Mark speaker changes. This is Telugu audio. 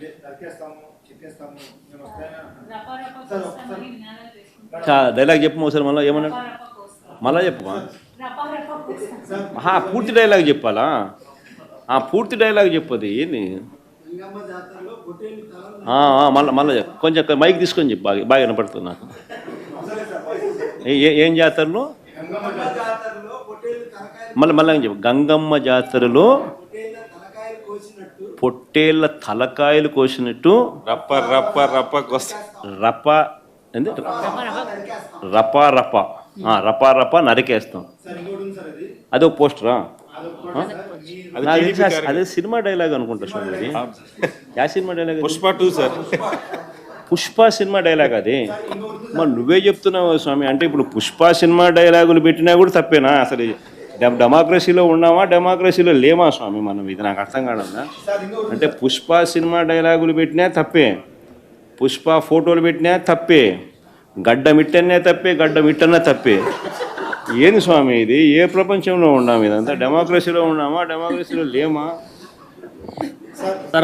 Speaker 1: డైలాగ్ చెప్పు ఒకసారి మళ్ళీ ఏమన్నాడు మళ్ళా చెప్పమా పూర్తి డైలాగ్ చెప్పాలా పూర్తి డైలాగ్ చెప్పది ఏంది మళ్ళీ కొంచెం మైక్ తీసుకొని చెప్పు బాగా వినపడుతుంది నాకు ఏం జాతరలో మళ్ళీ చెప్పు గంగమ్మ జాతరలో పొట్టేళ్ళ తలకాయలు కోసినట్టు
Speaker 2: రప్ప రప్ప రప్ప
Speaker 1: రప్ప రపా రపా రపా రపా నరికేస్తాం. అదొక పోస్టరా? అదే సినిమా డైలాగ్ అనుకుంటా స్వామి. యా cinema dialogue?
Speaker 2: Pushpa 2 sir.
Speaker 1: Pushpa cinema dialogue అది. మరి నువ్వే చెప్తున్నావు స్వామి. అంటే ఇప్పుడు పుష్ప సినిమా డైలాగులు పెట్టినా కూడా తప్పేనా? అసలు డెమోక్రసీలో ఉన్నామా డెమోక్రసీలో లేమా స్వామి మనం? ఇది నాకు అర్థం కాదన్నా. అంటే పుష్ప సినిమా డైలాగులు పెట్టినా తప్పే, పుష్ప ఫోటోలు పెట్టినా తప్పే, గడ్డ మిట్టనే తప్పే, గడ్డ మిట్టనే తప్పే. ఏంది స్వామి ఇది? ఏ ప్రపంచంలో ఉన్నాము? ఇదంతా డెమోక్రసీలో ఉన్నామా డెమోక్రసీలో లేమా?